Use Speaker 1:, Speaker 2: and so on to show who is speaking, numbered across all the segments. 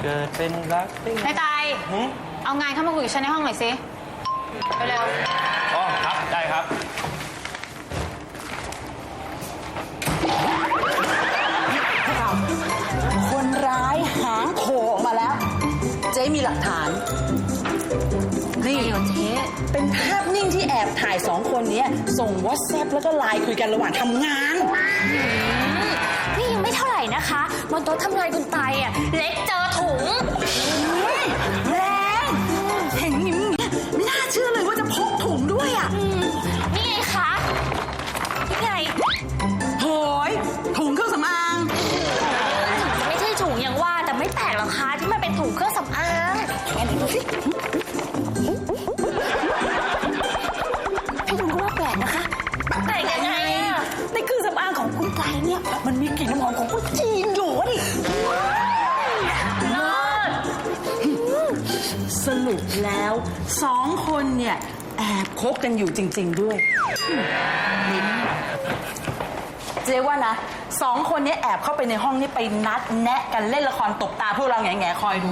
Speaker 1: เกิดเป็นรัก
Speaker 2: นายตายเอางานเข้ามาคุยกับฉันในห้องหน่อยสิเร็ว
Speaker 1: อ๋อครับได้ครับ
Speaker 3: คนร้ายหางโผล่ออกมาแล้วเจ๊มีหลักฐานนี่เจ๊เป็นภาพนิ่งที่แอบถ่ายสองคนนี้ส่ง WhatsApp แล้วก็ไลน์คุยกันระหว่างทำงาน
Speaker 4: นี่ยังไม่เท่าไหร่นะคะบนโต๊ะทำงานคุณไตอ่ะเล็กเจอถุง
Speaker 3: แรงเห็นนิ้มไม่น่าเชื่อเลยว่าจะพกถุงด้วยอ่ะ
Speaker 4: นี่ไงคะนี่ไง
Speaker 3: โหยถุงเครื่องสำอาง
Speaker 4: ถึงจะไม่ใช่ถุงอย่างว่าแต่ไม่แปลกหรอกคะที่มันเป็นถุงเครื่องสำอางงั้นดูสิพี่ดูก็ว่าแปลกนะคะแปลกยังไงอะในเครื่องสำอางของคุณไตเนี่ยมันมีกลิ่นน้ำหอมของคนจีนอยู่วะดิ
Speaker 3: สรุปแล้วสองคนเนี่ยแอบคบกันอยู่จริงๆด้วยเจ๊ว่านะสองคนนี้แอบเข้าไปในห้องนี้ไปนัดแนะกันเล่นละครตบตาพวกเราแง่ๆคอยดู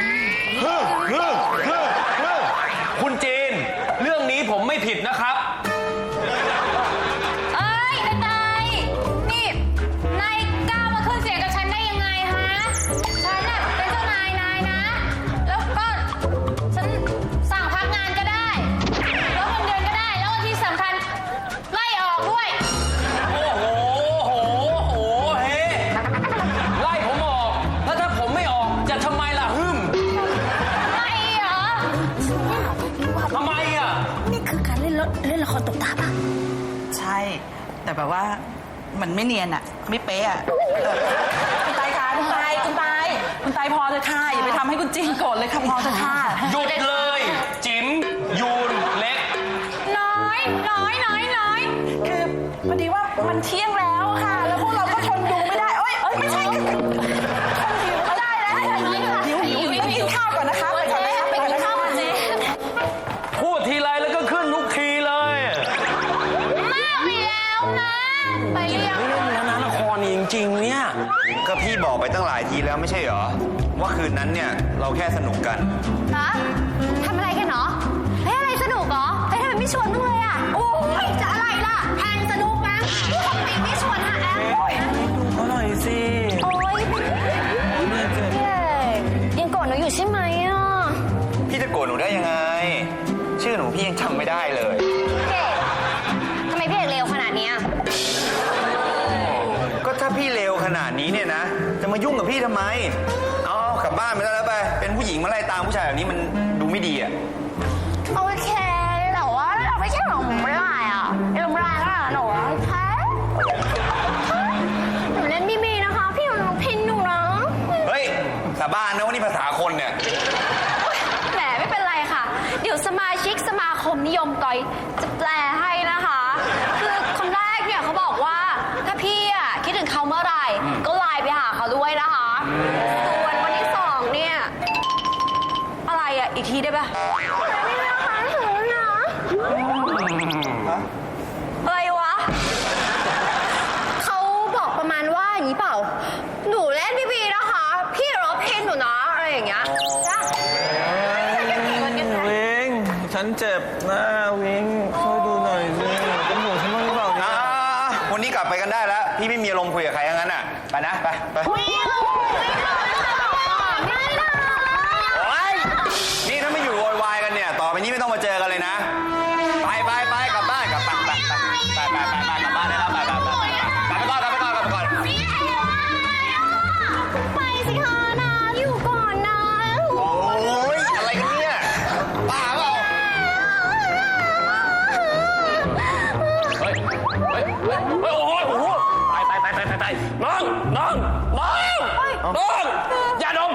Speaker 1: คุณจีนเรื่องนี้ผมไม่ผิดนะครับ
Speaker 2: เอ้ยนายตายนี่นายกล้ามาขึ้นเสียงกับฉันได้ยังไงฮะฉันน่ะเป็นเจ้านายนายนะแล้วก็ฉันสั่งพักงานก็ได้ลดเงินเดือนก็ได้แล้วก็ที่สำคัญไล่ออกด้วย
Speaker 1: โอ้โหเฮ้ไล่ผมออกแล้วถ้าผมไม่ออกจะทำไมล่ะ
Speaker 2: ไม่เหรอ
Speaker 1: ทำไมอ่ะ
Speaker 4: นี่คือการเล่นละครตบตาปะ
Speaker 3: ใช่แต่แบบว่ามันไม่เนียนอะไม่เป๊ะอะคุณไตค่ะคุณไตพอเถอะค่ะอย่าไปทำให้คุณจีนโกรธเลยค่ะพอเถอะค่ะ
Speaker 1: หยุดเลยจิ๋มยูนเล็ก
Speaker 2: น้อย
Speaker 3: คือพอดีว่ามันเที่ยงแล้วค่ะแล้วพวกเราก็ทนดูไม่ได้ไม่ใช่ทนหิวก็ได้แล้วหิวกินข้าวก่อนนะคะไปกินข้าวก่อนเจ๊
Speaker 1: พูดทีไรแล้วก็ขึ้นทุกทีเลย
Speaker 2: มากไปแล้วนะไปเรียก
Speaker 1: ไม่เล่นแล้วนะละครนี่จริงๆเนี่ย
Speaker 5: ก็พี่บอกไปตั้งหลายทีแล้วไม่ใช่เหรอว่าคืนนั้นเนี่ยเราแค่สนุกกัน
Speaker 2: ฮะทำอะไรกันเนาะอะไรสนุกเหรอทำไมไม่ชวนบ้างเลยอ่ะโอ้ยจะอะไรล่ะแทนสนุกนะที่ทำไมไม่ชวนฮะแอม
Speaker 1: ดูเขาหน่อยสิ
Speaker 2: โอ้ยยังโกรธหนูอยู่ใช่ไหมอ่ะ
Speaker 5: พี่จะโกรธหนูได้ยังไงชื่อหนูพี่ยังจำไม่ได้เลย
Speaker 2: เก๋ทำไมพี่เอกเลวขนาดนี้
Speaker 5: ก็ถ้าพี่เลวขนาดนี้เนี่ยนะจะมายุ่งกับพี่ทำไมเอากลับบ้านไปแล้วไปเป็นผู้หญิงมาไล่ตามผู้ชายแบบนี้มันดูไม่ดีอ่ะ
Speaker 2: โอเคแต่ว่าเราไม่ใช่หนูไม่ได้อ่ะเราไม่ได้แล้วหนูแพ้หนูเล่นบีนะคะพี่หนูพินหนูนะ
Speaker 5: เฮ้ยสาบานนะว่านี่ภาษาคนเนี่ย
Speaker 2: แหมไม่เป็นไรค่ะเดี๋ยวสมาชิกสมาคมนิยมกอยจะแปลให้นะคะคือคำแรกเนี่ยเขาบอกว่าถ้าพี่อ่ะคิดถึงเขาเมื่อไหร่ก็ไลน์ไปหาเขาด้วยนะคะส่วนวันที่2เนี่ยอะไรอ่ะอีกทีได้ปะไม่ได้ค่ะถึงนะอะไรวะเขาบอกประมาณว่าอย่างนี้เปล่าหนูเล่นบีนะคะพี่รบเพนหนูนะอะไรอย่างเงี้ยจ้ะ
Speaker 1: วิงฉันเจ็บนะวิงช่วยดูหน่อยสิเป็นห่วงฉันบ้างหรือเปล่านะ
Speaker 5: วันนี้กลับไปกันได้แล้วพี่ไม่มีอารมณ์คุยกับใครทั้งนั้นอ่ะไปนะไปนี่ถ้าไม่อยู่โวยวายกันเนี่ยต่อไปนี้ไม่ต้องมาเจอกันเลยนะไปกลับบ้านกลับบ้านไปกลับบ้านได้แล้วไปก่อน
Speaker 2: ไปสิคะนะอยู่ก่อนนะ
Speaker 5: โอ้ยอะไรกันเนี่ยบ้าเปล่า
Speaker 1: โอ้โหไปน้องอย่าดม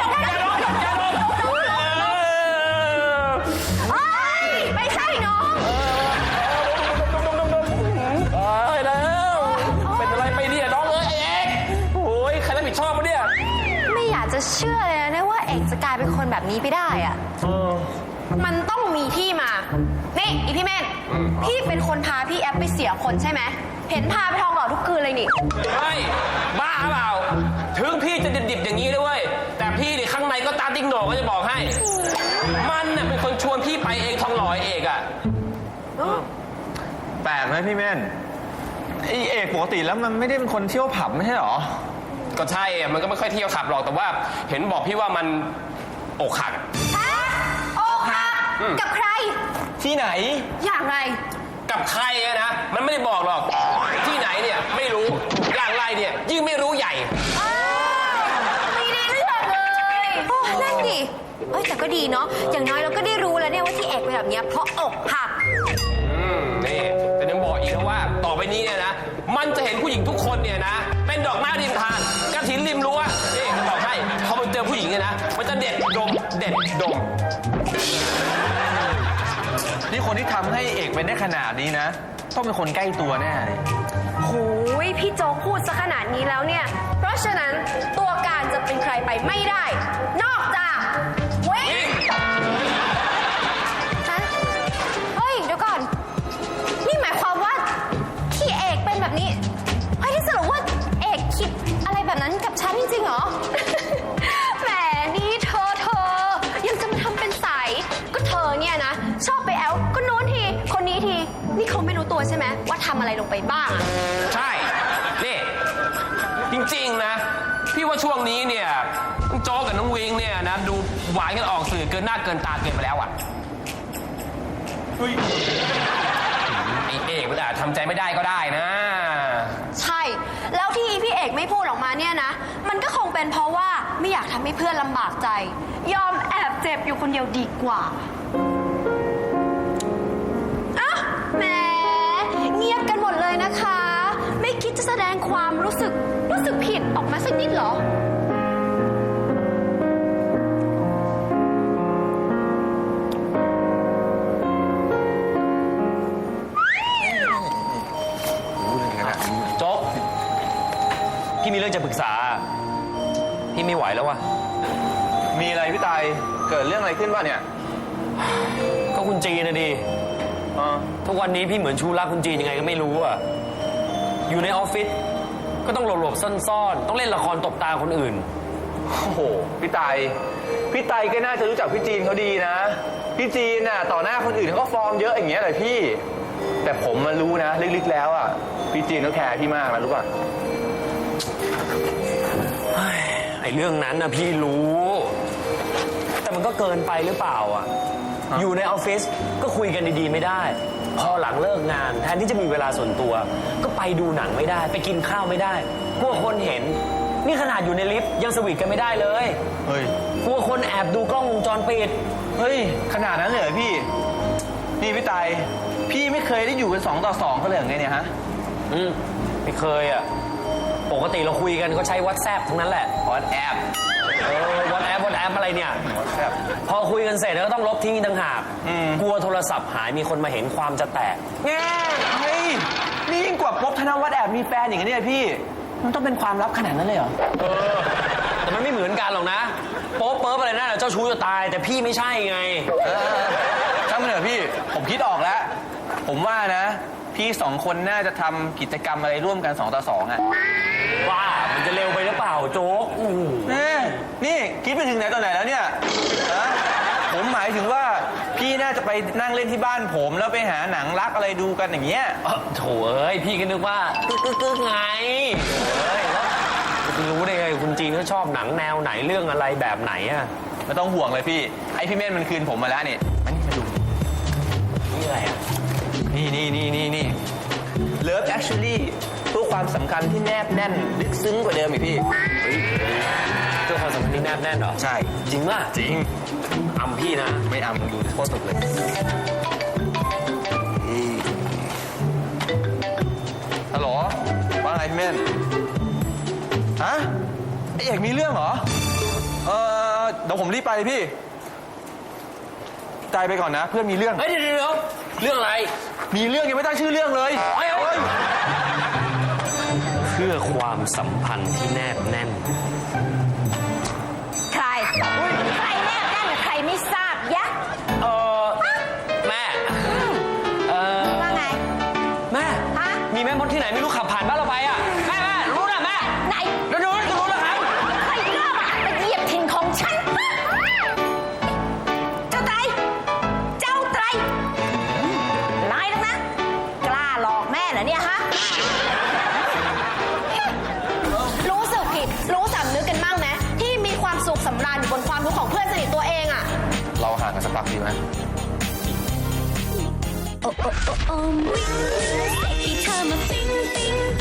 Speaker 2: ไม่ใช่น้อง
Speaker 1: แล้วเป็นอะไรไปเนี่ยน้องเอกโอ้ยใครรับผิดชอบวะเนี่ย
Speaker 2: ไม่อยากจะเชื่อเลยนะว่าเอกจะกลายเป็นคนแบบนี้ไปได้อ่ะมันต้องมีที่มานี่อีพี่เม่นพี่เป็นคนพาพี่แอปไปเสียคนใช่ไหมเห็นพาไปทองหล่อทุกคืนเลยนี่
Speaker 1: ใช่บ้าเปล่าถึงพี่จะดิบๆอย่างนี้ด้วยแต่พี่นี่ข้างในติ๊กโหน่งก็จะบอกให้ มันน่ะเป็นคนชวนพี่ไปเองทองหล่อเอกอ่ะ
Speaker 5: แปลกไหมพี่เม่นไอเอกปกติแล้วมันไม่ได้เป็นคนเที่ยวผับไม่ใช่หรอ
Speaker 1: ก็ใช่อะมันก็ไม่ค่อยเที่ยวขับหรอกแต่ว่าเห็นบอกพี่ว่ามันอกหัก
Speaker 2: ฮะอกหักกับใคร
Speaker 5: ที่ไหน
Speaker 2: อย่างไร
Speaker 1: กับใครอะนะมันไม่ได้บอกหรอกที่ไหนเนี่ยไม่รู้อย่างไรเนี่ยยิ่งไม่รู้ใหญ่
Speaker 2: ไม่ได้เรื่องเลยโอ้นั่นดิเอ้ยแต่ก็ดีเนาะ อย่างน้อยเราก็ได้รู้แล้วเนี่ยว่าที่เอกเป็นแบบเนี้ยเพราะอกหัก
Speaker 1: นี่แต่ยังบอกอีกนะว่าต่อไปนี้เนี่ยนะมันจะเห็นผู้หญิงทุกคนเนี่ยนะเป็นดอกไม้ริมทางกระถินริมรั้วนี่บอกให้พอมันเจอผู้หญิงเนี่ยนะมันจะเด็ดดมเด็ดดม
Speaker 5: นี่คนที่ทำให้เอกเป็นได้ขนาดนี้นะ ต้องเป็นคนใกล้ตัวแน่เลย
Speaker 2: โหยพี่โจ๊กพูดซะขนาดนี้แล้วเนี่ย เพราะฉะนั้นตัวการจะเป็นใครไปไม่ได้ นอกจากเว้ยฮะเฮ้ย เดี๋ยวก่อน นี่หมายความว่าที่เอกเป็นแบบนี้เฮ้ยที่สรุปว่าเอกคิดอะไรแบบนั้นกับฉันจริงๆเหรอ แหมนี่เธอยังจะมาทำเป็นใสก็เธอเนี่ยนะ ชอบไปแอลก็โน้นทีคนนี้ทีนี่เขาไม่รู้ตัวใช่ไหมว่าทำอะไรลงไปบ้างอะ
Speaker 1: ใช่นี่จริงๆนะพี่ว่าช่วงนี้เนี่ยน้องโจ๊กกับน้องวิงเนี่ยนะดูหวานกันออกสื่อเกินหน้าเกินตาเกินไปแล้วอ่ะไอเอกมันอาจทำใจไม่ได้ก็ได้นะ
Speaker 2: ใช่ แล้วที่พี่เอกไม่พูดออกมาเนี่ยนะ มันก็คงเป็นเพราะว่าไม่อยากทำให้เพื่อนลำบากใจ ยอมแอบเจ็บอยู่คนเดียวดีกว่าอ่ะแหมเงียบกันหมดเลยนะคะ ไม่คิดจะแสดงความรู้สึกผิดออกมาสักนิดเหรอ
Speaker 1: โจ๊กพี่มีเรื่องจะปรึกษา พี่ไม่ไหวแล้ววะ
Speaker 5: มีอะไรพี่ตายเกิดเรื่องอะไรขึ้นวะเนี่ย
Speaker 1: ก็คุณจีนนะดิทุกวันนี้พี่เหมือนชูรักคุณจีนยังไงก็ไม่รู้อ่ะอยู่ในออฟฟิศก็ต้องหลบๆซ่อนๆต้องเล่นละครตบตาคนอื่น
Speaker 5: โอ้โหพี่ตายก็น่าจะรู้จักพี่จีนเขาดีนะพี่จีนน่ะต่อหน้าคนอื่นเขาก็ฟอร์มเยอะอย่างเงี้ยเลยพี่ แต่ผมมารู้นะลึกๆแล้วอ่ะพี่จีนเขาแคร์พี่มากนะรู้ป่ะ
Speaker 1: ไอ้เรื่องนั้นนะพี่รู้ แต่มันก็เกินไปหรือเปล่าอ่ะอยู่ในออฟฟิศก็คุยกันดีๆไม่ได้ พอหลังเลิกงานแทนที่จะมีเวลาส่วนตัว ก็ไปดูหนังไม่ได้ไปกินข้าวไม่ได้กลัวคนเห็นนี่ขนาดอยู่ในลิฟต์ยังสวีทกันไม่ได้เลย
Speaker 5: เฮ้ย
Speaker 1: กลัวคนแอบดูกล้องวงจรปิด
Speaker 5: เฮ้ยขนาดนั้นเลยเหรอพี่นี่พี่ตายพี่ไม่เคยได้อยู่กัน2 ต่อ 2เขาเลยไงเนี่ยฮะ
Speaker 1: ไม่เคยอ่ะปกติเราคุยกันก็ใช้ WhatsApp ทั้งนั้นแหละ
Speaker 5: WhatsApp
Speaker 1: WhatsApp อะไรเนี่ย
Speaker 5: WhatsApp
Speaker 1: พอคุยกันเสร็จแล้วก็ต้องลบทิ้งต่างหากกลัวโทรศัพท์หายมีคนมาเห็นความจะแตก
Speaker 5: แง่เฮ้ยนี่ยิ่งกว่าป๊บธนวัฒน์แอบมีแฟนอย่างนี้เลยพี่มันต้องเป็นความลับขนาดนั้นเลยเหรอ
Speaker 1: แต่มันไม่เหมือนกันหรอกนะโป๊ะเปิ๊บอะไรนั่นเจ้าชู้จะตายแต่พี่ไม่ใช่ไง
Speaker 5: ช่างมันเถอะพี่ผมคิดออกแล้ว ผมว่านะพี่2 คนน่าจะทำกิจกรรมอะไรร่วมกัน2 ต่อ 2อ่ะ
Speaker 1: ว่ามันจะเร็วไปหรือเปล่าโจ๊ก
Speaker 5: นี่คิดไปถึงไหนตอนไหนแล้วเนี่ยฮะผมหมายถึงว่าพี่น่าจะไปนั่งเล่นที่บ้านผมแล้วไปหาหนังรักอะไรดูกันอย่างเงี้ย
Speaker 1: โถเอ้ยพี่ก็นึกว่ากึกไงเฮ้ยแล้วจะรู้ได้ไงคุณจีนเขาชอบหนังแนวไหนเรื่องอะไรแบบไหนอะ
Speaker 5: ไม่ต้องห่วงเลยพี่ไอพี่เม่นมันคืนผมมาแล้วนี่มานี่มาดู
Speaker 1: นี่อะไรอะ
Speaker 5: นี่ Love Actually เพื่อความสำคัญที่แนบแน่นลึกซึ้งกว่าเดิมอีกพี่
Speaker 1: เจ้าความสัมพันธ์ที่แนบแน่นเหรอ
Speaker 5: ใช่
Speaker 1: จริงป่ะ
Speaker 5: จริง
Speaker 1: อำพี่นะ
Speaker 5: ไม่เอามึงดูโคตรสุดเลยฮัลโหลว่าไงพี่เม่นฮะไอเอกมีเรื่องเหรอเดี๋ยวผมรีบไปเลยพี่ตายไปก่อนนะเพื่อนมีเรื่อง
Speaker 1: เฮ้ยเดี๋ยวเรื่องอะไร
Speaker 5: มีเรื่องยังไม่ตั้งชื่อเรื่องเลย
Speaker 1: เฮ้ยเพื่อความสัมพันธ์ที่แนบแน่น
Speaker 2: ใครใครแนบแน่นกับใครไม่ทราบยะ
Speaker 1: แม่
Speaker 2: ว่าไง
Speaker 1: แม่
Speaker 2: ฮะ
Speaker 1: มีแม่มดที่ไหนไม่รู้ขับผ่านบ้านเราไปอ่ะแม่รู้นะแม่
Speaker 2: ไหน
Speaker 1: รู้นะครับ
Speaker 2: ใครกล้ามาเหยียบถิ่นของฉันรู้สึกผิด รู้สำนึกกันบ้างไหมที่มีความสุขสำราญอยู่บนความทุกข์ของเพื่อนสนิทตัวเองอะ
Speaker 5: เราห่างกันสักพักดีไหม
Speaker 6: โอ้โอ้โอ้โอ้